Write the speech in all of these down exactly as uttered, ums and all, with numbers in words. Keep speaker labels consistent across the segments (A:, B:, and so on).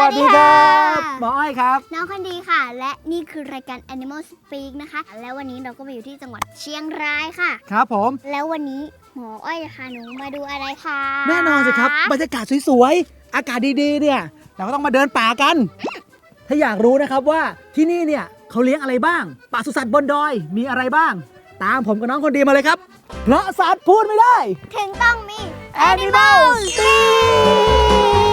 A: วัสดีครับหมออ้อยครับ
B: น้องคนดีค่ะและนี่คือรายการ Animal Speak นะคะแล้ววันนี้เราก็มาอยู่ที่จังหวัดเชียงรายค่ะ
A: ครับผม
B: แล้ววันนี้หมออ้อยจะพาหนูมาดูอะไรคะ
A: แน่นอนสิครับบรรยากาศสวยๆอากาศดีๆเนี่ยเราก็ต้องมาเดินป่ากันถ้าอยากรู้นะครับว่าที่นี่เนี่ยเขาเลี้ยงอะไรบ้างปศุสัตว์บนดอยมีอะไรบ้าง ตามผมกับน้องคนดีมาเลยครับเพราะสัตว์พูดไม่ได้
B: ถึงต้องมี
A: Animal Speak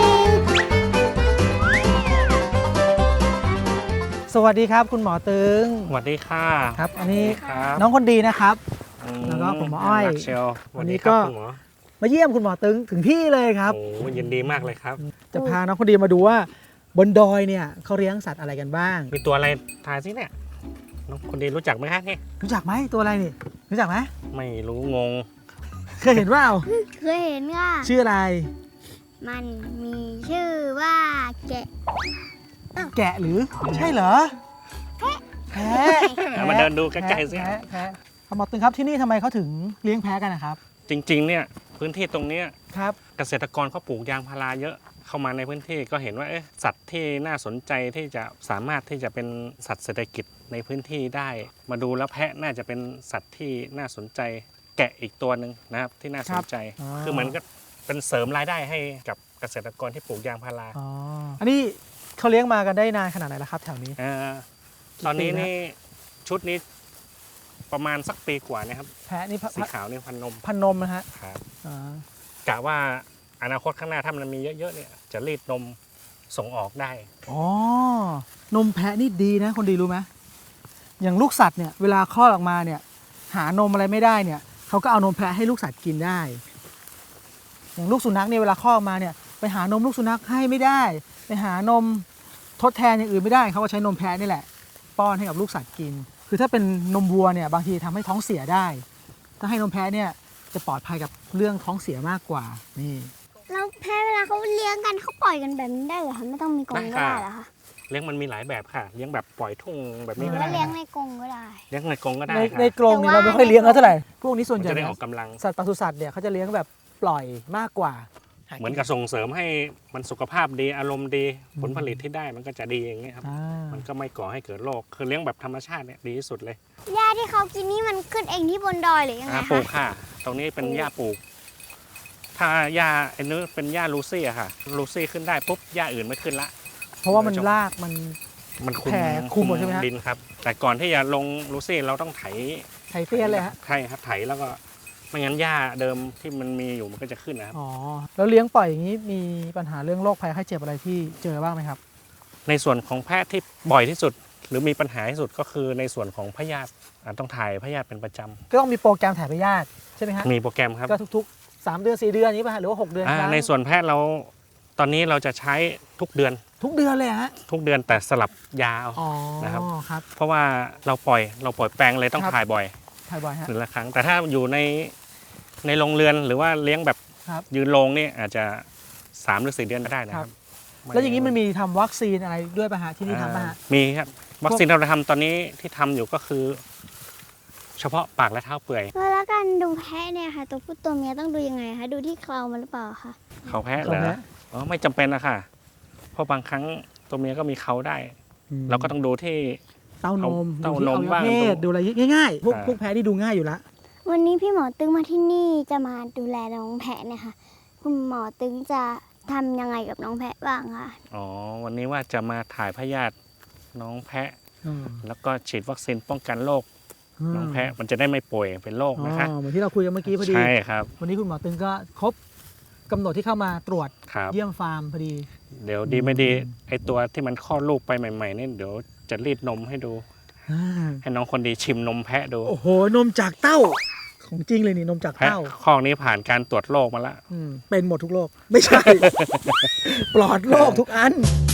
A: สวัสดีครับคุณหมอตึง
C: สวัสดีค่ะ
A: ครับอันนี้
C: ครับ
A: น้องคนดีนะครับแล้วก็ผมหมออ้อย
C: เชียว
A: วันนี้ก็มาเยี่ยมคุณหมอตึงถึงที่เลยครับ
C: โอ้ยินดีมากเลยครับ
A: จะพาน้องคนดีมาดูว่าบนดอยเนี่ยเขาเลี้ยงสัตว์อะไรกันบ้าง
C: มีตัวอะไรทายสิเนี่ยน้องคนดีรู้จักไหมครับนี่
A: รู้จักไหมตัวอะไรนี่รู้จักไหม
C: ไม่รู้งง
A: เคยเห็นว่า
B: เคยเห็นค่ะ
A: ชื่ออะไร
B: มันมีชื่อว่าแกะ
A: แกะหรือใช่เหรอแพะ
C: มาเดินดูใกล้ๆสิ
A: แพะคุณหมอตึงครับที่นี่ทำไมเขาถึงเลี้ยงแพะกันนะครับ
C: จริงๆเนี่ยพื้นที่ตรงนี้
A: ครับ
C: เกษตรกรเขาปลูกยางพาราเยอะเข้ามาในพื้นที่ก็เห็นว่าเอ๊ะสัตว์ที่น่าสนใจที่จะสามารถที่จะเป็นสัตว์เศรษฐกิจในพื้นที่ได้มาดูแล้วแพะน่าจะเป็นสัตว์ที่น่าสนใจแกะอีกตัวหนึ่งนะครับที่น่าสนใจคือเหมือนกับเป็นเสริมรายได้ให้กับเกษตรกรที่ปลูกยางพารา
A: อ๋ออันนี้เขาเลี้ยงมากันได้นานขนาดไหนแล้วครับแถวนี้
C: ตอนนี้นี่ชุดนี้ประมาณสักปีกว่านะครับ
A: แพะนี่
C: สีขาวนี่พันนม
A: พันนมนะฮะ
C: ครับกะว่าอนาคตข้างหน้าถ้ามันมีเยอะๆเนี่ยจะรีดนมส่งออกได้
A: อ๋อนมแพะนี่ดีนะคนดีรู้ไหมอย่างลูกสัตว์เนี่ยเวลาคลอดออกมาเนี่ยหานมอะไรไม่ได้เนี่ยเขาก็เอานมแพะให้ลูกสัตว์กินได้อย่างลูกสุนัขเนี่ยเวลาคลอดออกมาเนี่ยไปหานมลูกสุนัขให้ไม่ได้ไปหานมทดแทนอย่างอื่นไม่ได้เขาก็ใช้นมแพะนี่แหละป้อนให้กับลูกสัตว์กินคือถ้าเป็นนมวัวเนี่ยบางทีทำให้ท้องเสียได้ถ้าให้นมแพะเนี่ยจะปลอดภัยกับเรื่องท้องเสียมากกว่านี่
B: แล้วแพะเวลาเขาเลี้ยงกันเขาปล่อยกันแบบนี้ได้เหรอคะไม่ต้องมีกรงก็ได้เหรอคะ
C: เลี้ยงมันมีหลายแบบค่ะเลี้ยงแบบปล่อยทุ่งแบบนี้
B: ก็ได้เลี้ยงในกรงก็ได้
C: เลี้ยงในกรงก็ได้
A: ในกรงนี่เราไม่ค่อยเลี้ยงเท่าไหร่พวกนี้ส่วนใหญ่
C: จะได้ออกกำลัง
A: สัตว์ปศุสัตว์เนี่ยเขาจะเลี้ยงแบบปล่อยมากกว่า
C: เหมือนกับส่งเสริมให้มันสุขภาพดีอารมณ์ดีผลผลิตที่ได้มันก็จะดีอย่างเงี้ยครับมันก็ไม่ก่อให้เกิดโรคคือเลี้ยงแบบธรรมชาติเนี่ยดีที่สุดเลย
B: หญ้าที่เขากินนี่มันขึ้นเองที่บนดอยหรือยังไงคะ
C: ปลูกค่ะตรงนี้เป็นหญ้าปลูกถ้าหญ้าไอ้นู้นเป็นหญ้าลูซี่อะค่ะลูซี่ขึ้นได้ปุ๊บหญ้าอื่นไม่ขึ้นละ
A: เพราะว่ามันรากมัน
C: มันคุม
A: คุมหมดใช่ไหม
C: ดินครับแต่ก่อนที่จะลงลูซี่เราต้องไถ
A: ไถเตี้ยเลยฮะ
C: ใช่ครับไถแล้วก็ไม่งั้นหญ้าเดิมที่มันมีอยู่มันก็จะขึ้นนะครับ
A: อ๋อแล้วเลี้ยงปล่อยอย่างนี้มีปัญหาเรื่องโรคภัยไข้เจ็บอะไรที่เจอบ้างไหมครับ
C: ในส่วนของแพทย์ที่บ่อยที่สุดหรือมีปัญหาที่สุดก็คือในส่วนของพยาธิต้องถ่ายพยาธิเป็นประจำ
A: ก็ต้องมีโปรแกรมถ่ายพยาธิใช่ไหมฮะ
C: มีโปรแกรมครับ
A: ก็ทุกๆสามเดือนสี่เดือนนี้ป่ะหรือว่าหกเดือน
C: ในส่วนแพทย์เราตอนนี้เราจะใช้ทุกเดือน
A: ทุกเดือนเลยฮะ
C: ทุกเดือนแต่สลับยานะครับเพราะว่าเราปล่อยเราปล่อยแปลงเลยต้องถ่ายบ่อย
A: ถ่ายบ่อยฮะ
C: หนึ่งละครั้งแต่ถ้าอยู่ในในโรงเรือนหรือว่าเลี้ยงแบบยืนโรงนี่อาจจะสามหรือสี่เดือนก็ได้นะครับ
A: แล้วอย่างนี้มันมีทำวัคซีนอะไรด้วยป่ะฮะที่นี่ทำป่ะฮะ
C: มีครับวัคซีนเราทำตอนนี้ที่ทำอยู่ก็คือเฉพาะปากและเท้าเปื่อย
B: แล้วการดูแพะเนี่ยค่ะตัวผู้ตัวเมียต้องดูยังไงคะดูที่เครามันหรือเปล่าคะ
C: เขาแพะเหรออ๋อไม่จำเป็นนะค่ะเพราะบางครั้งตัวเมียก็มีเขาได้เราก็ต้องดูที่
A: เต้านม
C: เต้านมบ้าง
A: ดูอะไรง่ายๆพวกพวกแพะที่ดูง่ายอยู่ละ
B: วันนี้พี่หมอตึงมาที่นี่จะมาดูแลน้องแพะเนี่ยค่ะคุณหมอตึงจะทำยังไงกับน้องแพะบ้างคะ
C: อ๋อวันนี้ว่าจะมาถ่ายพยาธิน้องแพะแล้วก็ฉีดวัคซีนป้องกันโรคน้องแพะมันจะได้ไม่ป่วยเป็นโรคนะคะ
A: เหมือนที่เราคุยกันเมื่อกี้พอดี
C: ใช่ครับ
A: วันนี้คุณหมอตึงก็ครบกำหนดที่เข้ามาตรวจเยี่ยมฟาร์มพอดี
C: เดี๋ยวดีไม่ดีไอตัวที่มันคลอดลูกไปใหม่ๆนี่เดี๋ยวจะรีดนมให้ดูให้น้องคนดีชิมนมแพะดู
A: โอ้โหนมจากเต้าของจริงเลยนี่นมจากเต้า
C: ข้อนี้ผ่านการตรวจโรคมาแล้ว
A: เป็นหมดทุกโรคไม่ใช่ ปลอดโรคทุกอัน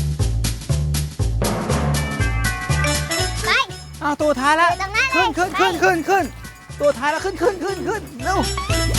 B: ไป
A: อ้าวตัวท้ายแล้วขึ้นขึ้นขึ้นขึ้นขึ้นตัวท้ายแล้วขึ้นขึ้นขึ้นขึ้นเร็ว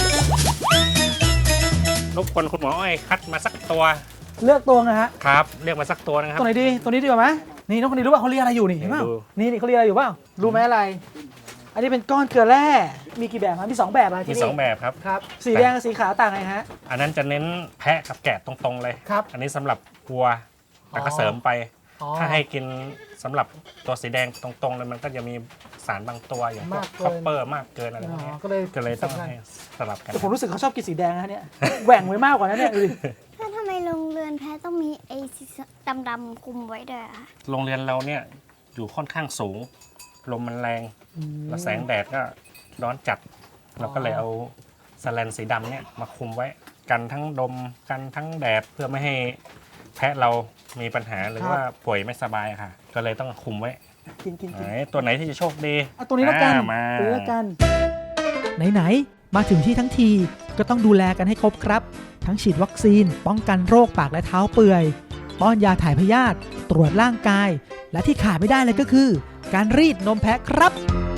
C: รบกวนคุณหมออ้อยคัดมาสักตัว
A: เลือกตัวนะฮะ
C: ครับเลือกมาสักตัวนะครับ
A: ตัวไหนดีตัวนี้ดีกว่าไหมนี่น้องคนนี้รู้ป่ะเขาเรียกอะไรอยู่นี่เห็นป่ะนี่นี่เขาเรียกอะไรอยู่ป่ะรู้ไหมอะไรอันนี้เป็นก้อนเกลือแร่มีกี่แบบครับมีสองแบบ
C: มีสองแบบครับ
A: ครับสีแดงกับสีขาวต่างไงฮะ
C: อันนั้นจะเน้นแพะกับแกะตรงๆเลย
A: ครับ
C: อันนี้สำหรับวัวแต่ก็เสริมไป
A: อ๋อ
C: ถ้าให้กินสำหรับตัวสีแดงตรงๆเลยมันก็จะมีสารบางตัวอย่างพวก
A: มากเกิน
C: คอปเปอร์มากเกินอะไรพวก
A: อ๋อ
C: เนี้ย
A: ก็เลย
C: ก็เลยต้อง
A: สำคัญ
C: ให้สลับกัน
A: แต่ผมรู้สึกเขาชอบกินสีแดงนะเนี่ย แหว่งไว้มากกว่านั้นเนี่ยดูดิ
B: ถ้าทำไมโรงเรือนแพะต้องมีไอ้สีดำๆคลุมไว้ด้วยอะคะ
C: โรงเรียนเราเนี่ยอยู่ค่อนข้างสูง ลมมันแรง แล้วแสงแดดก็ร้อนจัด เราก็เลยเอาสแลนสีดำเนี่ยมาคุมไว้ กันทั้งลมกันทั้งแดดเพื่อไม่ให้แพะเรามีปัญหาหรือว่าป่วยไม่สบายค่ะ ก็เลยต้องคุมไว้
A: กินกิน
C: ไหน
A: กิน
C: ตัวไหนที่จะโชคดี
A: เอาตัวนี้แล้วกัน
C: อ่ามา
A: ตัวนี้แล้วกัน
D: ไหนๆมาถึงที่ทั้งทีก็ต้องดูแลกันให้ครบครับ ทั้งฉีดวัคซีน ป้องกันโรคปากและเท้าเปื่อย ป้อนยาถ่ายพยาธิตรวจร่างกาย และที่ขาดไม่ได้เลยก็คือ การรีดนมแพะครับ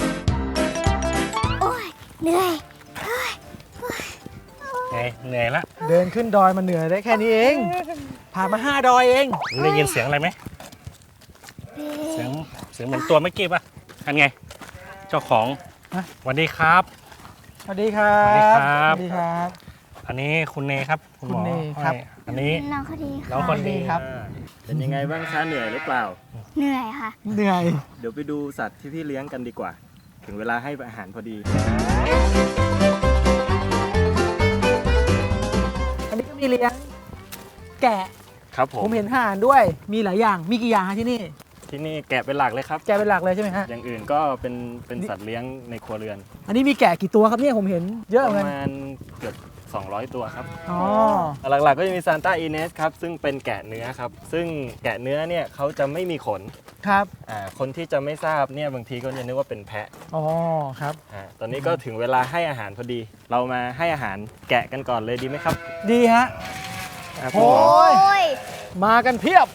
B: โอ้ยเหนื่อย
C: ไงเหนื่อยละ
A: เดินขึ้นดอยมาเหนื่อยได้แค่นี้เอง ผ่านมาห้าดอยเอง
C: ได้ยินเสียงอะไรไหมเสียงเสียงเหมือนตัวเมื่อกี้ป่ะอันไง เจ้าของ
A: ฮะ
C: สวัสดีครับ
A: สวัสดีครับ
C: สวัสดีครับ
A: สวัสดีครับ
C: อันนี้คุณเนครับคุณหมอ
A: คุณเนครับ
C: ให้อันนี้
B: น้องเขาดี
C: น้อง
B: ค่ะ
C: คนดี
A: ครับ
C: อ่า
E: เป็นยังไงบ้างคะเหนื่อยหรือเปล่า
B: เหนื่อยค่ะ
A: เหนื่อย
E: เดี๋ยวไปดูสัตว์ที่พี่เลี้ยงกันดีกว่า ถึงเวลาให้อาหารพอดี
A: อันนี้ก็มีเลี้ยงแกะ
E: ครับผม
A: ผมเห็นห่านด้วย มีหลายอย่าง มีกี่อย่างฮะที่นี่
E: ที่นี่แกะเป็นหลักเลยครับ
A: แกะเป็นหลักเลยใช่ไหมฮะ
E: อย่างอื่นก็เป็นเป็นสัตว์เลี้ยงในครัวเรือน
A: อันนี้มีแกะกี่ตัวครับเนี่ยผมเห็นเยอะ
E: ป
A: เหมือน
E: ระ
A: กัน
E: มาณเกือบสองร้อยตัวครับ
A: อ๋อ
E: หลักๆก็จะมีซานต้าอีเนสครับซึ่งเป็นแกะเนื้อครับซึ่งแกะเนื้อเนี่ยเขาจะไม่มีขน
A: ครับ
E: อ่าคนที่จะไม่ทราบเนี่ยบางทีก็จะนึกว่าเป็นแพะ
A: อ๋อ ครับ
E: อ่าตอนนี้ก็ถึงเวลาให้อาหารพอดี เรามาให้อาหารแกะกันก่อนเลยดีไหมครับ
A: ดีฮะ
E: อ่าคุณ
A: โอ้
E: หมอ
A: ย
B: โอ้ย
A: มากันเพียบ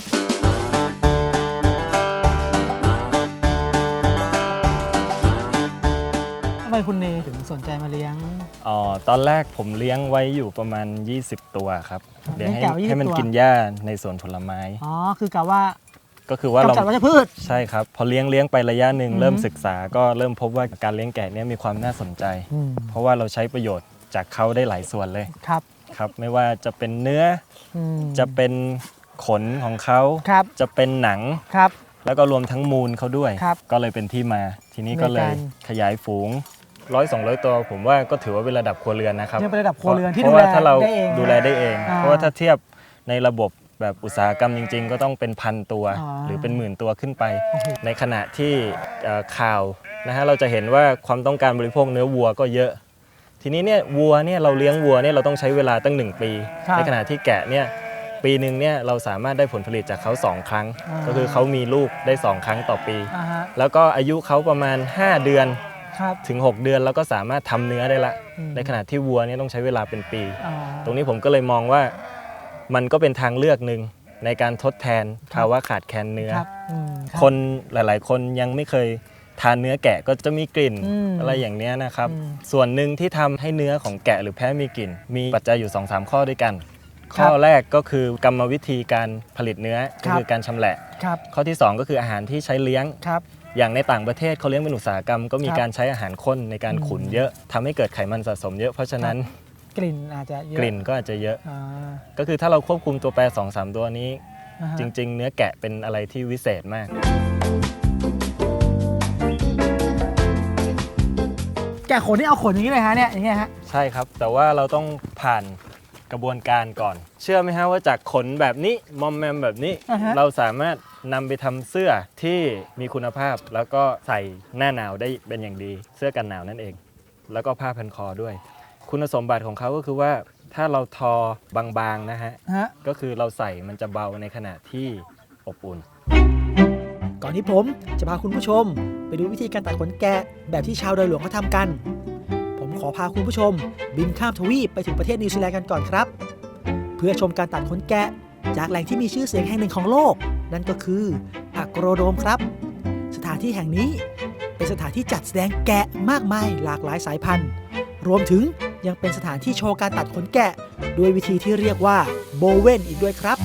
A: ทำไมคุณเนถึงสนใจมาเลี้ยง
E: อ๋อตอนแรกผมเลี้ยงไว้อยู่ประมาณ ยี่สิบ ตัวครับเลี้ยงให้
A: เลี้ยงแกะไว้ยี่สิบ
E: ให้มัน
A: ตัว
E: กินหญ้าในสวนผลไม้
A: อ๋อ คือกะว่า
E: ก็คือว่าเรา
A: กำจัดวัชพืช
E: ใช่ครับ พอเลี้ยงเลี้ยงไประยะหนึ่ง
A: อืม
E: เริ่มศึกษาก็เริ่มพบว่าการเลี้ยงแกะเนี่ยมีความน่าสนใจ
A: อืม
E: เพราะว่าเราใช้ประโยชน์จากเขาได้หลายส่วนเลย
A: ครับ
E: ครับ ไม่ว่าจะเป็นเนื้อ
A: อืม
E: จะเป็นขนของเขา
A: ครับ
E: จะเป็นหนัง
A: ครับ
E: แล้วก็รวมทั้งมูลเขาด้วย
A: ครับ
E: ก็เลยเป็นที่มา ทีนี้ก็เลย
A: ในการ
E: ขยายฝูงร้อยสองร้อยตัว ผมว่าก็ถือว่าเป็นระดับครัวเรือนนะครับ
A: ยังเป็นระดับครัวเรือนที่
E: เพ
A: ดู
E: ราะ
A: แล
E: ว่าถ้าเรา
A: ได้เอง
E: ดูแลได้เอง
A: อ่า
E: เพราะว่าถ้าเทียบในระบบแบบอุตสาหกรรมจริง ๆ ก็ต้องเป็นพันตัว
A: อ๋อ
E: หรือเป็นหมื่นตัวขึ้นไป
A: โอ้โห
E: ในขณะที่เอ่อข่าวนะฮะเราจะเห็นว่าความต้องการบริโภคเนื้อวัวก็เยอะ ทีนี้เนี่ยวัวเนี่ยเราเลี้ยงวัวเนี่ยเราต้องใช้เวลาตั้งหนึ่งปี
A: ครับ
E: ในขณะที่แกะเนี่ยปีหนึ่งเนี่ยเราสามารถได้ผลผลิตจากเขาสองครั้ง
A: อ่า
E: ก็คือเขามีลูกได้สองครั้งต่อปี
A: อ่าฮะ
E: แล้วก็อายุเขาประมาณห้าเดือน
A: ครับ
E: ถึงหกเดือนแล้วก็สามารถทำเนื้อได้ละ
A: อืม
E: ในขณะที่วัวเนี่ยต้องใช้เวลาเป็นปี
A: อ่า
E: ตรงนี้ผมก็เลยมองว่ามันก็เป็นทางเลือกหนึ่งในการทดแทนภาวะขาดแคลนเนื้อ
A: ครับอืมรับ
E: คนหลาย ๆ คนยังไม่เคยทานเนื้อแกะก็จะมีกลิ่น
A: อืม
E: อะไรอย่างเนี้ยนะครับ
A: อืม
E: ส่วนหนึ่งที่ทำให้เนื้อของแกะหรือแพะมีกลิ่น มีปัจจัยอยู่ สองสาม ข้อด้วยกัน
A: ครับ
E: ข้อแรกก็คือกรรมวิธีการผลิตเนื้อ
A: ครั
E: ก็
A: บ
E: คือการชำแหละ
A: ครับ
E: ข้อที่ สอง ก็คืออาหารที่ใช้เลี้ยง
A: ครับ
E: อย่างในต่างประเทศเขาเลี้ยงเป็นอุตสาหกรรม ก็มี
A: ครับ
E: การใช้อาหารข้นในการขุน
A: อืม
E: เยอะทำให้เกิดไขมันสะสมเยอะเพราะฉะนั้น
A: กลิ่นอาจจะเยอะ
E: กลิ่นก็อาจจะเยอะ
A: อ่า
E: ก็คือถ้าเราควบคุมตัวแปร สองสาม ตัวนี้
A: อ่าฮะ
E: จริง ๆ เนื้อแกะเป็นอะไรที่วิเศษมาก
A: แกะขนนี่เอาขนอย่างนี้เลยฮะเนี่ยอย่างเงี้ยฮะ
E: ใช่ครับ แต่ว่าเราต้องผ่านกระบวนการก่อน เชื่อไหมฮะว่าจากขนแบบนี้มอมแมมแบบนี้
A: อ่าฮะ
E: เราสามารถนำไปทำเสื้อที่มีคุณภาพ แล้วก็ใส่หน้าหนาวได้เป็นอย่างดี เสื้อกันหนาวนั่นเอง แล้วก็ผ้าพันคอด้วย คุณสมบัติของเขาก็คือว่าถ้าเราทอบางๆนะฮะ
A: ฮะ
E: ก็คือเราใส่มันจะเบาในขณะที่อบอุ่น
D: ก่อนที่ผมจะพาคุณผู้ชม ไปดูวิธีการตัดขนแกะแบบที่ชาวดอยหลวงเขาทำกัน ผมขอพาคุณผู้ชม บินข้ามทวีปไปถึงประเทศนิวซีแลนด์กันก่อนครับ เพื่อชมการตัดขนแกะจากแหล่งที่มีชื่อเสียงแห่งหนึ่งของโลก นั่นก็คืออะโกรโดมครับ สถานที่แห่งนี้เป็นสถานที่จัดแสดงแกะมากมายหลากหลายสายพันธุ์ รวมถึงยังเป็นสถานที่โชว์การตัดขนแกะด้วยวิธีที่เรียกว่าโบเวนอีกด้วยครับ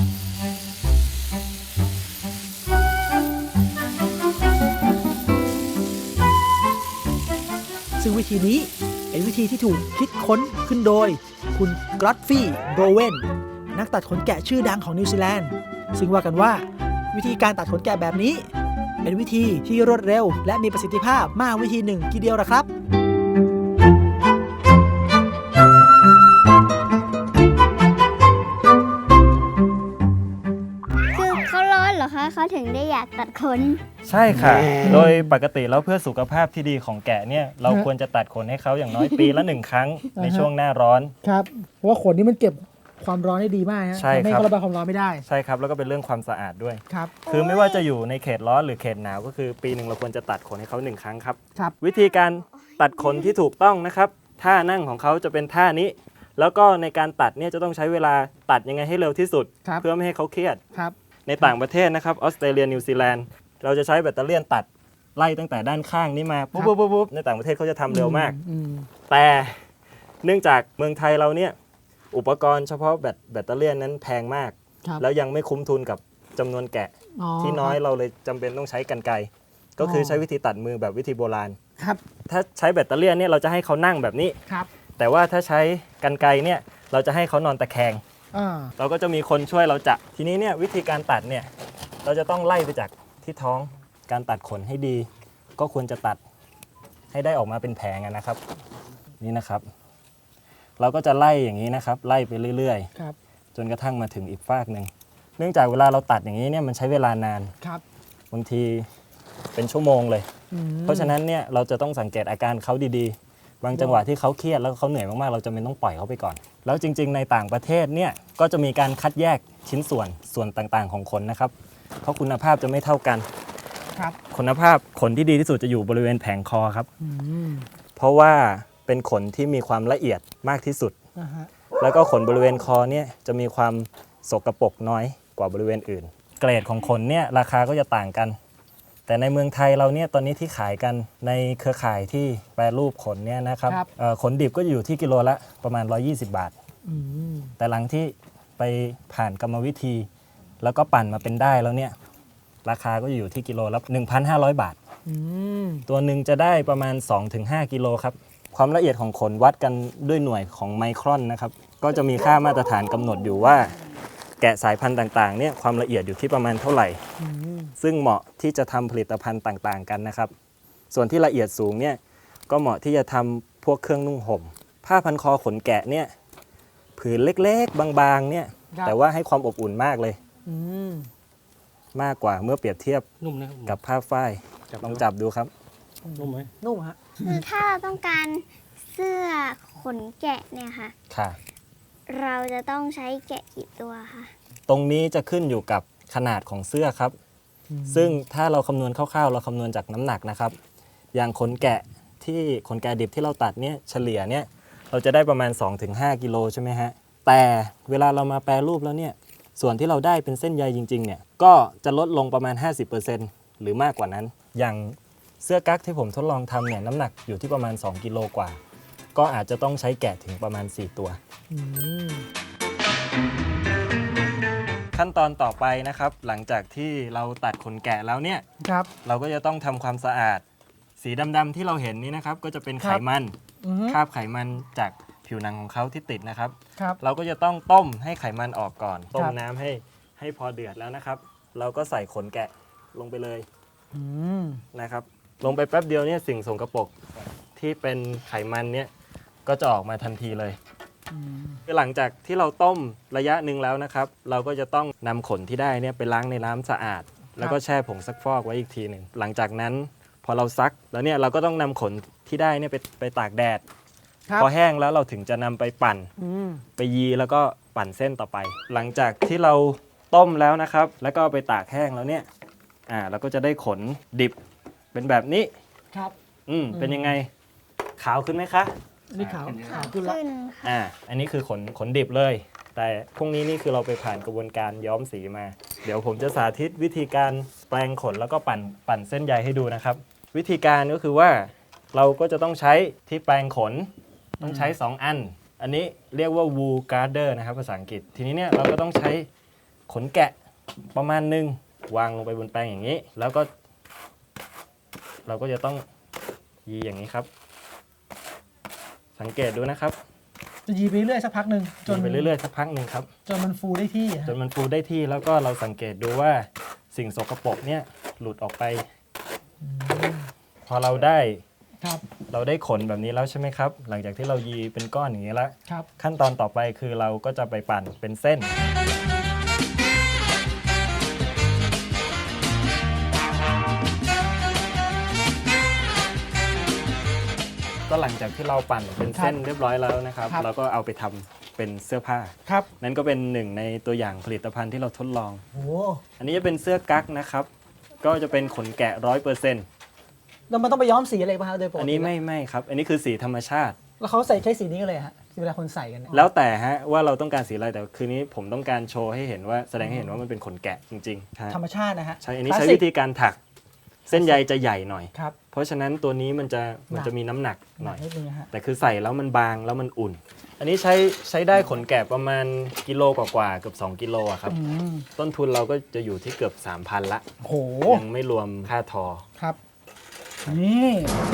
D: ซึ่งวิธีนี้เป็นวิธีที่ถูกคิดค้นขึ้นโดยคุณกรอตฟี่โบเวนนักตัดขนแกะชื่อดังของนิวซีแลนด์ซึ่งว่ากันว่าวิธีการตัดขนแกะแบบนี้ เป็นวิธีที่รวดเร็วและมีประสิทธิภาพมากวิธีหนึ่งทีเดียวละครับ
B: คือเขาร้อนเหรอคะเขาถึงได้อยากตัดขน
E: ใช่ค่ะ โดยปกติแล้วเพื่อสุขภาพที่ดีของแกะเนี่ยเราควรจะตัดขนให้เขาอย่างน้อยปีละหนึ่งครั้งในช่วงหน้าร้อน
A: ครับเพราะว่าขนนี่มันเก็บความร้อนได้ดีมากฮะ
E: ใช่
A: ทำให้
E: ครับ
A: เขาระบายความร้อนไม่ได้
E: ใช่ครับแล้วก็เป็นเรื่องความสะอาดด้วย
A: ครับ
E: คือไม่ว่าจะอยู่ในเขตร้อนหรือเขตหนาวก็คือปีหนึ่งเราควรจะตัดขนให้เขาหนึ่งครั้งครับ
A: ครับ
E: วิธีการตัดขนที่ถูกต้องนะครับท่านั่งของเขาจะเป็นท่านี้ แล้วก็ในการตัดเนี่ยจะต้องใช้เวลาตัดยังไงให้เร็วที่สุด
A: ครับ
E: เพื่อไม่ให้เขาเครียด
A: ครับ
E: ในต่างประเทศนะครับออสเตรเลียนิวซีแลนด์เราจะใช้แบตเตอรี่ตัดไล่ตั้งแต่ด้านข้างนี้มาปุ๊บปุ๊บปุ๊บปุ๊บในต่างประเทศเขาจะทำเร็วมาก
A: อืม
E: แต่เนื่องจากเมืองไทยเราเนี่ยอุปกรณ์เฉพาะแบตแบตเตอรี่นั้นแพงมาก
A: ครับ
E: แล้วยังไม่คุ้มทุนกับจำนวนแกะที่น้อยเราเลยจำเป็นต้องใช้กรรไกรก็คือใช้วิธีตัดมือแบบวิธีโบราณ
A: ครับ
E: ถ้าใช้แบตเตอรี่เนี่ยเราจะให้เขานั่งแบบนี้
A: ครับ
E: แต่ว่าถ้าใช้กรรไกรเนี่ยเราจะให้เขานอนตะแคง
A: อ่า
E: เราก็จะมีคนช่วยเราจับทีนี้เนี่ยวิธีการตัดเนี่ยเราจะต้องไล่ไปจากที่ท้องการตัดขนให้ดี ก็ควรจะตัดให้ได้ออกมาเป็นแผงอะนะครับนี่นะครับ เราก็จะไล่อย่างนี้นะครับ ไล่ไปเรื่อย
A: ครับ
E: ๆ จนกระทั่งมาถึงอีกฟากหนึ่งเนื่องจากเวลาเราตัดอย่างนี้เนี่ยมันใช้เวลานาน
A: ครับ
E: บางทีเป็นชั่วโมงเลย
A: อืม
E: เพราะฉะนั้นเนี่ยเราจะต้องสังเกตอาการเขาดีๆ บางจังหวะที่เขาเครียดแล้วเขาเหนื่อยมากๆเราจะไม่ต้องปล่อยเขาไปก่อน แล้วจริงๆในต่างประเทศเนี่ยก็จะมีการคัดแยกชิ้นส่วนส่วนต่างๆของขนนะครับ เพราะคุณภาพจะไม่เท่ากัน
A: ครับ
E: คุณภาพขนที่ดีที่สุดจะอยู่บริเวณแผงคอครับ
A: อืม
E: เพราะว่าเป็นขนที่มีความละเอียดมากที่สุด
A: อ่าฮะ
E: แล้วก็ขนบริเวณคอเนี่ยจะมีความสกปรกน้อยกว่าบริเวณอื่น เกรดของขนเนี่ยราคาก็จะต่างกัน แต่ในเมืองไทยเราเนี่ยตอนนี้ที่ขายกันในเครือข่ายที่แปรรูปขนเนี่ยนะครับ
A: ครับ
E: เอ่อขนดิบก็จะอยู่ที่กิโลละประมาณหนึ่งร้อยยี่สิบบาท
A: อืม
E: แต่หลังที่ไปผ่านกรรมวิธี แล้วก็ปั่นมาเป็นได้แล้วเนี่ยราคาก็จะอยู่ที่กิโลละ หนึ่งพันห้าร้อย บาท
A: อืม
E: ตัวหนึ่งจะได้ประมาณ สองถึงห้า กิโลครับ ความละเอียดของขนวัดกันด้วยหน่วยของไมครอนนะครับ ก็จะมีค่ามาตรฐานกำหนดอยู่ว่า แกะสายพันธุ์ต่างๆเนี่ยความละเอียดอยู่ที่ประมาณเท่าไหร่
A: อืม
E: ซึ่งเหมาะที่จะทำผลิตภัณฑ์ต่างๆกันนะครับ ส่วนที่ละเอียดสูงเนี่ยก็เหมาะที่จะทำพวกเครื่องนุ่งห่ม ผ้าพันคอขนแกะเนี่ยผืนเล็กๆ บางๆเนี่ย
A: ครับ
E: แต่ว่าให้ความอบอุ่นมากเลย
A: อืม
E: มากกว่าเมื่อเปรียบเทียบ
C: นุ่มนะครับ
E: กับผ้าฝ้ายลองจับดูครับ
C: นุ่มไหม
A: นุ่มฮะ
B: คือถ้าเราต้องการเสื้อขนแกะเนี่ยค่ะ
E: ค่ะ
B: เราจะต้องใช้แกะกี่ตัวคะ
E: ตรงนี้จะขึ้นอยู่กับขนาดของเสื้อครับ ซึ่งถ้าเราคำนวณคร่าวๆ เราคำนวณจากน้ำหนักนะครับ อย่างขนแกะที่ขนแกะดิบที่เราตัดเนี่ยเฉลี่ยเนี่ยเราจะได้ประมาณ สองถึงห้า กิโลใช่ไหมฮะ แต่เวลาเรามาแปรรูปแล้วเนี่ยส่วนที่เราได้เป็นเส้นใยจริงๆเนี่ยก็จะลดลงประมาณ ห้าสิบเปอร์เซ็นต์ หรือมากกว่านั้น อย่างเสื้อกั๊กที่ผมทดลองทำเนี่ยน้ำหนักอยู่ที่ประมาณ สอง กิโลกว่า ก็อาจจะต้องใช้แกะถึงประมาณ สี่ ตัว
A: อืม
E: ขั้นตอนต่อไปนะครับหลังจากที่เราตัดขนแกะแล้วเนี่ย
A: ครับ
E: เราก็จะต้องทำความสะอาด สีดำๆที่เราเห็นนี้นะครับก็จะเป็น
A: ค
E: ไข
A: รับ
E: มัน
A: อืม
E: คราบไขมันจากผิวหนังของเขาที่ติดนะครับ
A: ครับ
E: เราก็จะต้องต้มให้ไขมันออกก่อน ต้ม
A: ครับ
E: น้ำให้ให้พอเดือดแล้วนะครับ เราก็ใส่ขนแกะลงไปเลย
A: อืม
E: นะครับ ลงไปแป๊บเดียวเนี่ยสิ่งสกปรกที่เป็นไขมันเนี่ยก็จะออกมาทันทีเลย
A: อืม
E: หลังจากที่เราต้มระยะหนึ่งแล้วนะครับ เราก็จะต้องนำขนที่ได้เนี่ยไปล้างในน้ำสะอาด แล้วก็แช่ผงซักฟอกไว้อีกทีหนึ่งหลังจากนั้นพอเราซักแล้วเนี่ยเราก็ต้องนำขนที่ได้เนี่ยไปไปตากแดด
A: ครับ
E: พอแห้งแล้วเราถึงจะนำไปปั่น
A: อืม
E: ไปยีแล้วก็ปั่นเส้นต่อไป หลังจากที่เราต้มแล้วนะครับ แล้วก็เอาไปตากแห้งแล้วเนี่ยอ่าเราก็จะได้ขนดิบเป็นแบบนี้
A: ครับ
E: อืมเป็นยังไงขาวขึ้นไหมคะ
A: อันนี้ขาวขาวขึ้นแล้ว
B: ขึ้น
E: อ่า อันนี้คือขนขนดิบเลย แต่พวกนี้นี่คือเราไปผ่านกระบวนการย้อมสีมา เดี๋ยวผมจะสาธิตวิธีการแปลงขนแล้วก็ปั่นปั่นเส้นใยให้ดูนะครับ วิธีการก็คือว่าเราก็จะต้องใช้ที่แปลงขนต้องใช้ สอง อัน อันนี้เรียกว่า wool garter นะครับภาษาอังกฤษ ทีนี้เนี่ยเราก็ต้องใช้ขนแกะประมาณหนึ่งวางลงไปบนแปลงอย่างนี้ แล้วก็ เราก็จะต้องยีอย่างนี้ครับ สังเกตดูนะครับ
A: จะยีไปเรื่อยสักพักหนึ่งจ
E: จ
A: น
E: นไปเรื่อยๆสักพักหนึ่งครับ
A: จนมันฟูได้ที่อะ
E: จนมันฟูได้ที่แล้วก็เราสังเกตดูว่าสิ่งสกปรกเนี่ยหลุดออกไป พอเราได้
A: ครับ
E: เราได้ขนแบบนี้แล้วใช่ไหมครับ หลังจากที่เรายีเป็นก้อนอย่างนี้แล้ว
A: ครับ
E: ขั้นตอนต่อไปคือเราก็จะไปปั่นเป็นเส้น ก็หลังจากที่เราปั่นเป็นเส้นเรียบร้อยแล้วนะครับ เราก็เอาไปทำเป็นเสื้อผ้า
A: ครับ
E: นั่นก็เป็นหนึ่งในตัวอย่างผลิตภัณฑ์ที่เราทดลอง
A: โอ้
E: อันนี้จะเป็นเสื้อกั๊กนะครับ ก็จะเป็นขนแกะร้อยเปอร์เซ็นต์
A: แล้วมันต้องไปย้อมสีอะไรป่ะครับโดยปกติ
E: อันนี้ไม่ไม่ครับ อันนี้คือสีธรรมชาติ
A: แล้วเขาใส่ใช้สีนี้กันเลยฮะเวลาคนใส่กันเนี่ย
E: แล้วแต่ฮะว่าเราต้องการสีอะไรแต่คืนนี้ผมต้องการโชว์ให้เห็นว่าแสดงให้เห็นว่ามันเป็นขนแกะจริงๆใช่
A: ธรรมชาตินะฮะ
E: ใช่อันนี้
A: คลาส
E: ใช้
A: สิก
E: วิธีการถักเส้นใยจะใหญ่หน่อย
A: ครับ
E: เพราะฉะนั้นตัวนี้มันจะมันจะมีน้ำหนักหน่อย
A: นิดนึงนะฮะ
E: แต่คือใส่แล้วมันบางแล้วมันอุ่น อันนี้ใช้ใช้ได้ขนแกะประมาณกิโลกว่าๆเกือบสองกิโลอะครับ
A: อืม
E: ต้นทุนเราก็จะอยู่ที่เกือบ สามพัน ละ
A: โอ้โห
E: ยังไม่รวมค่าทอ
A: ครับ นี่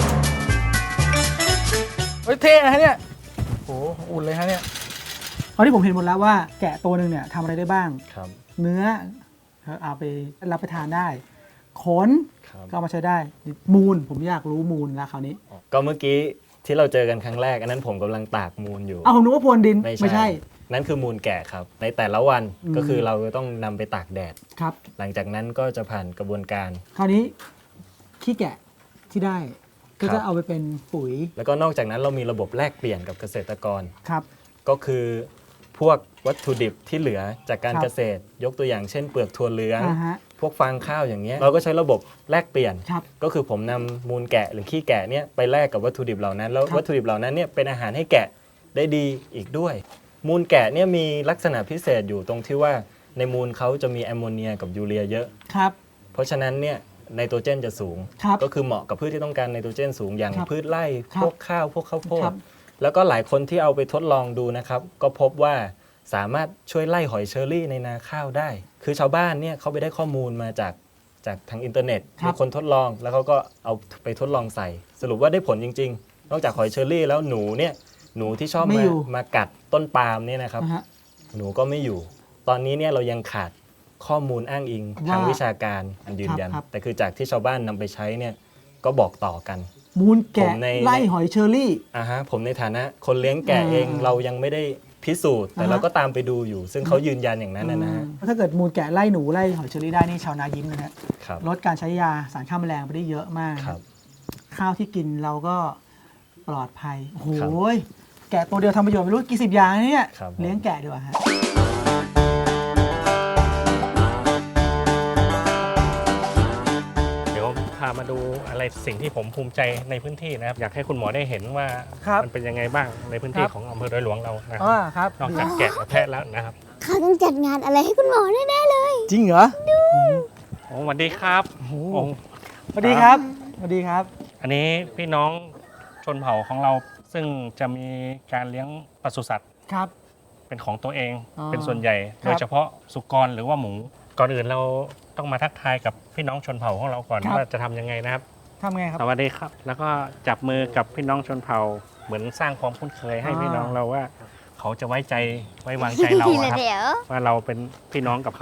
A: เฮ้ยเท่นะฮะเนี่ยโอ้โหอุ่นเลยฮะเนี่ยตอนที่ผมเห็นหมดแล้วว่าแกะตัวหนึ่งเนี่ยทำอะไรได้บ้าง
E: ครับ
A: เนื้อเอาไปรับประทานได้ ขน
E: ครับ
A: ก็เอามาใช้ได้ มูลผมอยากรู้มูลแล้วคราวนี้
E: ก็เมื่อกี้ที่เราเจอกันครั้งแรกอันนั้นผมกำลังตากมูลอยู่
A: เอาผมนึกว่าพรวนดิน
E: ไม่ใช่ นั่นคือมูลแกะครับ ในแต่ละวัน
A: อืม
E: ก็คือเราจะต้องนำไปตากแดด
A: ครับ
E: หลังจากนั้นก็จะผ่านกระบวนการ
A: คราวนี้ขี้แกะที่ได้ ก็
E: ครั
A: จะ
E: บ
A: เอาไปเป็นปุ๋ย
E: แล้วก็นอกจากนั้นเรามีระบบแลกเปลี่ยนกับเกษตรกร
A: ครับ
E: ก็คือพวกวัตถุดิบที่เหลือจากการ
A: ครับ
E: เกษตร ยกตัวอย่างเช่นเปลือกถั่วเหลือง
A: อ่าฮะ
E: พวกฟางข้าวอย่างเงี้ยเราก็ใช้ระบบแลกเปลี่ยน
A: ครับ
E: ก็คือผมนำมูลแกะหรือขี้แกะเนี่ยไปแลกกับวัตถุดิบเหล่านั้น แล้ว
A: ครับ
E: วัตถุดิบเหล่านั้นเนี่ยเป็นอาหารให้แกะได้ดีอีกด้วย มูลแกะเนี่ยมีลักษณะพิเศษอยู่ตรงที่ว่าในมูลเขาจะมีแอมโมเนียกับยูเรียเยอะ
A: ครับ
E: เพราะฉะนั้นเนี่ยไนโตรเจนจะสูง
A: ครับ
E: ก็คือเหมาะกับพืชที่ต้องการไนโตรเจนสูงอย่าง
A: ครับ
E: พืชไร่
A: ครับ
E: พวกข้าวพวกข้าวโพ
A: ครั
E: ด
A: บ
E: แล้วก็หลายคนที่เอาไปทดลองดูนะครับ ก็พบว่าสามารถช่วยไล่หอยเชอรี่ในนาข้าวได้ คือชาวบ้านเนี่ยเขาไปได้ข้อมูลมาจากจากทางอินเทอร์เน็ต
A: ครับ
E: มีคนทดลองแล้วเขาก็เอาไปทดลองใส่ สรุปว่าได้ผลจริง ๆ นอกจากหอยเชอรี่แล้วหนูเนี่ยหนูที่ชอบ
A: ไม่
E: มา
A: อยู่
E: มากัดต้นปาล์มเนี่ยนะครับ
A: นะฮะ
E: หนูก็ไม่อยู่ ตอนนี้เนี่ยเรายังขาดข้อมูลอ้างอิงทาง
A: ว่า
E: วิชาการอันยืนยัน
A: ครับ
E: แต่คือจากที่ชาวบ้านนำไปใช้เนี่ยก็บอกต่อกัน
A: มูล
E: ผ
A: แกะ
E: มใน
A: ไล่หอยเชอรี่
E: อ่าฮะผมในฐานะคนเลี้ยงแกะ
A: อ่า
E: เองเรายังไม่ได้พิสูจน์ แต่
A: อ่าฮะ
E: เราก็ตามไปดูอยู่ ซึ่งเขายืนยันอย่างนั้นนะนะฮะ
A: อืมถ้าเกิดมูลแกะไล่หนูไล่หอยเชอรี่ได้นี่ชาวนายิ้มนะฮะ
E: ครับ
A: ลดการใช้ยาสารฆ่าแมลงไปได้เยอะมาก
E: ครับ
A: ข้าวที่กินเราก็ปลอดภัย โอ้โห
E: ครับ
A: แกะตัวเดียวทำประโยชน์ไม่รู้กี่สิบอย่างนะเนี่ย
E: ครับ
A: เลี้ยงแกะดีกว่าฮะ
C: เดี๋ยวพามาดูอะไรสิ่งที่ผมภูมิใจในพื้นที่นะครับ อยากให้คุณหมอได้เห็นว่า
A: ครับ
C: มันเป็นยังไงบ้างในพื้นที่
A: ครับ
C: ของอำเภอดอยหลวงเรานะค
A: อ่า
C: รับ
A: ครับ
C: นอกจากแกะกับแพะแล้วนะครับ
B: เขาต้องจัดงานอะไรให้คุณหมอแน่ๆเลย
A: จริงเหรอ
C: โอ้สวัสดีครับโอ้
A: สวัสดีครับสวัสดีครับ
C: อันนี้พี่น้องชนเผ่าของเราซึ่งจะมีการเลี้ยงปศุสัตว์
A: ครับ
C: เป็นของตัวเอง
A: อ๋อ
C: เป็นส่วนใหญ่
A: ครับ
C: โดยเฉพาะสุกรหรือว่าหมู ก่อนอื่นเราต้องมาทักทายกับพี่น้องชนเผ่าของเราก่อนว่าจะทำยังไงนะครับ
A: ทำไงครับ
C: สวัสดีครับ แล้วก็จับมือกับพี่น้องชนเผ่าเหมือนสร้างความคุ้นเคยให้
A: อ่า
C: พี่น้องเราว่า เขาจะไว้ใจไว้วางใจเราอะครับ
B: เดี๋ยว
C: ว่าเราเป็นพี่น้องกับเขา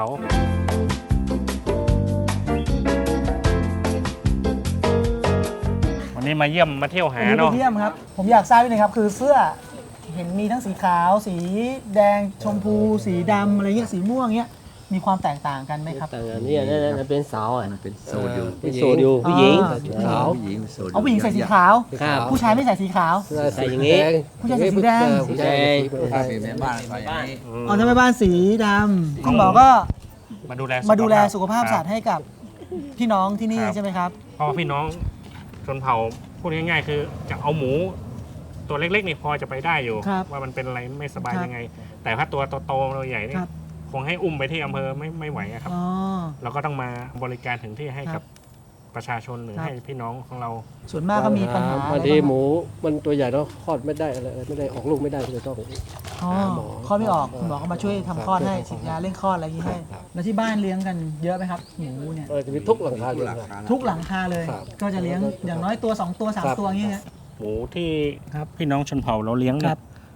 C: วันนี้มาเยี่ยมมาเที่ยวหา
A: วันนี้ไป
C: เนาะ
A: เยี่ยมครับ ผมอยากทราบนิดนึงครับ คือเสื้อเห็นมีทั้งสีขาว สีแดงชมพู สีดำอะไรเงี้ยสีม่วงเงี้ยมีความแตกต่างกันไหมครับ
F: แต่อันนี้นั่นนั่นเป็นสาวอ่ะ
G: มันเป็นโซดิว
F: เป็นโซดิวผู้หญิง
A: อ่า
F: ขาว
G: ผู้หญิงโซดิว
A: เอาผู้หญิงใส่สีขาว
F: ครับ
A: ผู้ชายไม่ใส่สีขาว
F: ใส่อย่างงี้
A: ผู้ชายใส่สีแดง
F: ผู้ชาย
G: ถ้าเป็นแม่บ้านใส่อย่างนี้
A: อ๋อทำไมบ้านสีดำคุณหมอก็
C: มาดูแล
A: มาดูแลสุขภาพ
C: ค
A: สั
C: รั
A: ต
C: บ
A: ว์ให้กับพี่น้องที่นี่
C: ครับ
A: ใช่ไหมครับ
C: เพราะว่าพี่น้องชนเผ่าพูดง่ายๆคือจะเอาหมู ตัวเล็กๆนี่พอจะไปได้อยู่
A: ครับ
C: ว่ามันเป็นอะไรไม่สบาย
A: ครับ
C: ยังไง แต่ถ้าตัวโตๆตัวใหญ่นี่
A: ครับ
C: คงให้อุ้มไปที่อำเภอไม่ไม่ไหวอะครับ
A: อ๋อ
C: เราก็ต้องมาบริการถึงที่ให้
A: ครั
C: กับบ ประชาชนหรือ
A: ครับ
C: ให้พี่น้องของเรา
A: ส่วนมากก็มีปัญหา
F: บางทีหมูมันตัวใหญ่แล้วคลอดไม่ได้อะไรไม่ได้ออกลูกไม่ได้ก็เลยต้อง
A: อ๋อ
F: หมอ
A: คลอดไม่ออกคุณหมอก็มาช่วยทำคลอดให้ฉีดยาเร่งคลอดอะไรอย่างนี้ให้
F: ครับ
A: แล้วที่บ้านเลี้ยงกันเยอะไหมครับหมูเนี่ย
F: เออจะมีทุกหลังคาเรือนครับ
A: ทุกหลังคาเลย
F: ครับ
A: ก็จะเลี้ยงอย่างน้อยตัวสองตัวสาม
F: ครับ
A: ตัวอย่างเงี้ย
C: หมูที่
A: ครับ
C: พี่น้องชนเผ่าเราเลี้ยง
A: ค
C: เนี่
A: รั
C: ย
A: บ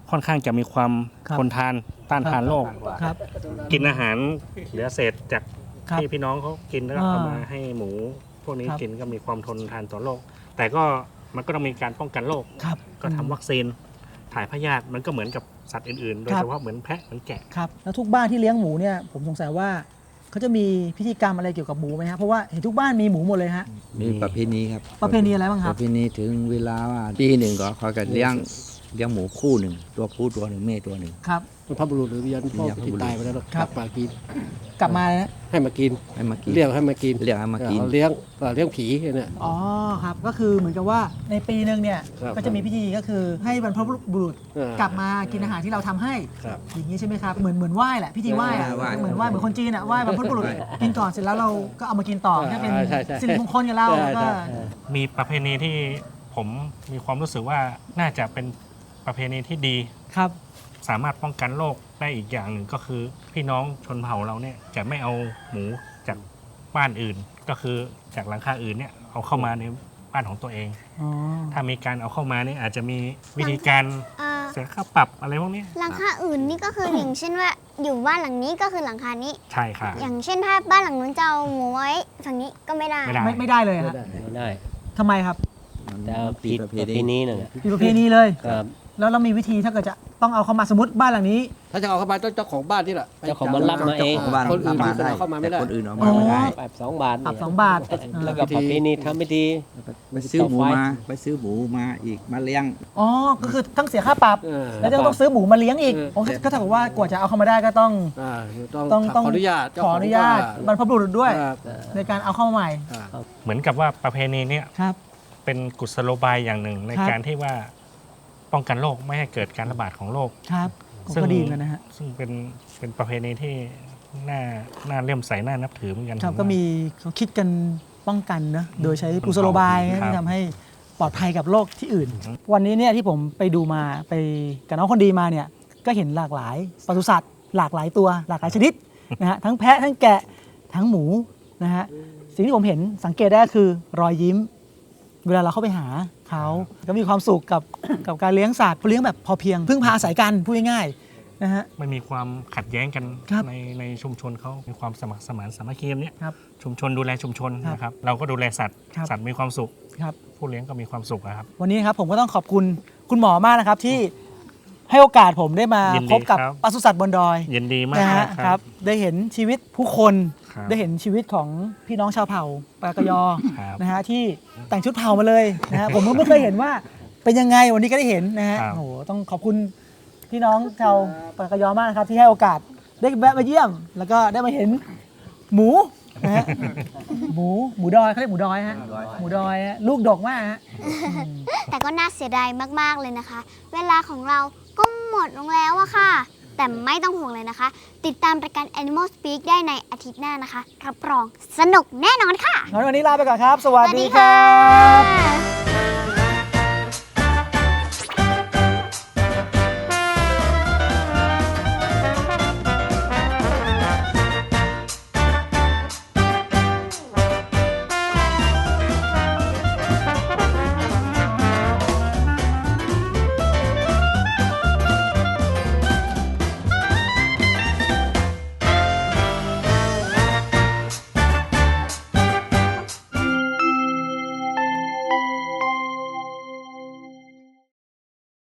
C: ค่อนข้างจะมีความ
A: ครับ
C: ทนทานต้านทานโรค
A: ครับ
C: กินอาหารเหลือเศษจาก
A: ครับ
C: ที่พี่น้องเขากินแล้วก็
A: อ่า
C: เอามาให้หมู พวกนี้
A: ครับ
C: กินก็มีความทนทานต่อโรคแต่ก็มันก็ต้องมีการป้องกันโรค
A: ครับ
C: ก็ทำวัคซีนถ่ายพยาธิมันก็เหมือนกับสัตว์อื่นๆ โดย
A: ครับ
C: เฉพาะเหมือนแพะเหมือนแกะ
A: ครับแล้วทุกบ้านที่เลี้ยงหมูเนี่ยผมสงสัยว่าเขาจะมีพิธีกรรมอะไรเกี่ยวกับหมูไหมฮะเพราะว่าเห็นทุกบ้านมีหมูหมดเลยฮะ
G: มีประเพณีครับ
A: ประเพณีอะไรบ้างค
G: ป
A: รับ
G: ระเพณีถึงเวลาว่าปีหนึ่งก็เขาจะเลี้ยงเลี้ยงหมูคู่หนึ่งตัวผู้ตัวหนึ่งแม่ตัวหนึ่ง
A: ครับ
F: บรรพบุรุษหรือวิญญาณพ่อ
G: วิญญาณ
F: ที่
G: บุรุษ
F: ตายไปแล้วเนอะ
A: ครับ
F: กลับมากิน
A: กลับมาเลยนะ
F: ให้มากิน
G: ให้มากิน
F: เรียกให้มากิน
G: เรียกให้มากิน
F: เออเลี้ยงเออเลี้ยงผีเนี่ย
A: อ๋อครับก็คือเหมือนกับว่าในปีหนึ่งเนี่ย
F: ครับ
A: ก็จะมีพิธีก็คือให้บรรพบุรุษ
F: เออก
A: ลับมากินอาหารที่เราทำให้
F: ครับ
A: อย่างนี้ใช่ไหมครับเหมือนเหมือนไหว้แหละพิธีไหว้อะ
G: ไหว้
A: เหมือนไหว้เหมือนคนจีนอะไหว้บรรพบุรุษ
G: ไหว้
A: กินก่อนเสร็จแล้วเราก็เอามากินต่อก็เป็น
F: ใช่ใช่
A: สิริมงคลกับเรา
F: ใช่
A: แล้วก็
F: ใช่
C: มีประเพณีที่ผมมีความรู้สึกว่าน่าจะเป็นประเพณีที่ดี
A: ครับ
C: สามารถป้องกันโรคได้อีกอย่างหนึ่งก็คือพี่น้องชนเผ่าเราเนี่ยจะไม่เอาหมูจากบ้านอื่น ก็คือจากหลังคาอื่นเนี่ยเอาเข้ามาในบ้านของตัวเอง
A: อ๋อ
C: ถ้ามีการเอาเข้ามาเนี่ยอาจจะมีวิธีการ
B: เอ่อ
C: เสียค่าปรับอะไรพวกนี้
B: หลังคาอื่นนี่ก็คืออย่างเช่นว่าอยู่บ้านหลังนี้ก็คือหลังคานี้
C: ใช่ค่ะ
B: อย่างเช่นถ้าบ้านหลังนู้นจะเอาหมูไว้ฝั่งนี้ก็ไม่ได้
C: ไม่ได้
A: ไม่ไม่ได้เลย
F: ไม่
A: ฮะ
F: ได้
H: ไม่ได้
A: ทำไมครับ
G: มัน
H: แต่เอา
G: ปี
H: ผิด
G: ประเพ
H: ประเพ
G: ณี
H: ณีนั่นแหละ
A: มีประเพณีเลย
H: ครับ
A: แล้วเรามีวิธีถ้าเกิดจะต้องเอาเข้ามาสมมติบ้านหลังนี้
F: ถ้าจะเอาเข้ามาต้องเจ้าของบ้านที่แหละ
H: เจ้าของบ้านรับมาเอง
G: ของบ้าน
F: คนอื่น
G: มา
F: ที่
G: ได้
F: เอาเข้ามาไม่
G: แต่
F: ได้
G: คนอื่นเอา
A: อ๋
G: มา
A: อ
G: ไม่ได้
H: ปรับสองบาท
A: ปรับ
H: เนี่ย
A: สองบาท
H: แล้วก็ประเพณีทำไม่ดี
G: ไปซื้อหมูมาไปซื้อหมูมาอีกมาเลี้ยง
A: อ๋อก็คือทั้งเสียค่าปรับ
F: เออ
A: แล้วยังต้องซื้อหมูมาเลี้ยงอีก
F: เออ
A: โอ้ก็เท่ากับว่ากว่าจะเอาเข้ามาได้ก็ต้อง
F: อ่าต้อง
A: ต้องต้อง
F: ขออนุญาตเจ้
A: ขออนุญาตบรรพบุรุษด้วย
F: ครับ
A: ในการเอาเข้ามาใหม่
F: อ่า
C: เหมือนกับว่าประเพณีเนี่ย
A: ครับ
C: เป็นกุศโลบายอย่างหนึ่งใน
A: ครับ
C: การที่ว่าป้องกันโรคไม่ให้เกิดการระบาดของโรค
A: ครับ
C: ซึ่ง
A: ก็ดีเหมือนกันนะฮะ
C: ซึ่งเป็นเป็นประเพณีที่น่าน่าเลื่อมใสน่านับถือเหมือนกัน
A: ครับ
C: ผ
A: ก็
C: ว่า
A: มีเขาคิดกันป้องกันนะโดยใช้กุศโลบาย
C: ครับ
A: ที่ทำให้ปลอดภัยกับโรคที่อื่น วันนี้เนี่ยที่ผมไปดูมาไปกับน้องคนดีมาเนี่ยก็เห็นหลากหลายปศุสัตว์หลากหลายตัว หลากหลายชนิดนะฮะทั้งแพะทั้งแกะทั้งหมูนะฮะสิ่งที่ผมเห็นสังเกตได้ก็คือรอยยิ้ม เวลาเราเข้าไปหาเขาก็มีความสุขกับ กับการเลี้ยงสัตว์เลี้ยงแบบพอเพียงพึ่งพาอาศัยกันพูดง่ายๆนะฮะ
C: ไม่มีความขัดแย้งกัน
A: ครับ
C: ในในชุมชนเขามีความสมัครสมานสามัคคีกันเนี่ย
A: ครับ
C: ชุมชนดูแลชุมชน
A: ครับ
C: นะครับเราก็ดูแลสัตว์
A: ครับ
C: สัตว์มีความสุข
A: ครับ
C: ผู้เลี้ยงก็มีความสุขอะครับ
A: วันนี้นะครับผมก็ต้องขอบคุณคุณหมอมากนะครับที่ให้โอกาสผมได้มา
C: ยินดี
A: พบกับ
C: ครับ
A: ปศุสัตว์บนดอย
C: ยินดีมาก
A: นะฮะ
C: ค
A: ค
C: รั
A: รับ บได้เห็นชีวิตผู้คน
C: ครับ
A: ได้เห็นชีวิตของพี่น้องชาวเผ่าปากกยอ
C: ครับ
A: นะฮะที่แต่งชุดเผ่ามาเลยนะฮะผมก็ไม่เคยเห็นว่าเป็นยังไงวันนี้ก็ได้เห็นนะฮะ
C: ครับ
A: โอ้โหต้องขอบคุณพี่น้องชาวปากกยอมากนะครับที่ให้โอกาสได้แวะมาเยี่ยม แล้วก็ได้มาเห็นหมูนะฮะหมูหมูดอยเขาเรียกหมูดอยฮะหมูดอยฮะลูกดกมากฮะ
B: แต่ก็น่าเสียดายมาก ๆ เลยนะคะ เวลาของเราก็หมดลงแล้วอะค่ะ แต่ไม่ต้องห่วงเลยนะคะ ติดตามรายการ Animal Speak ได้ในอาทิตย์หน้านะคะรับรองสนุกแน่นอนค่ะ
A: งั้นวันนี้ลาไปก่อนครับ สวัส
B: สวัส
A: ดี
B: ดี
A: ครั
B: ค่ะ
A: บ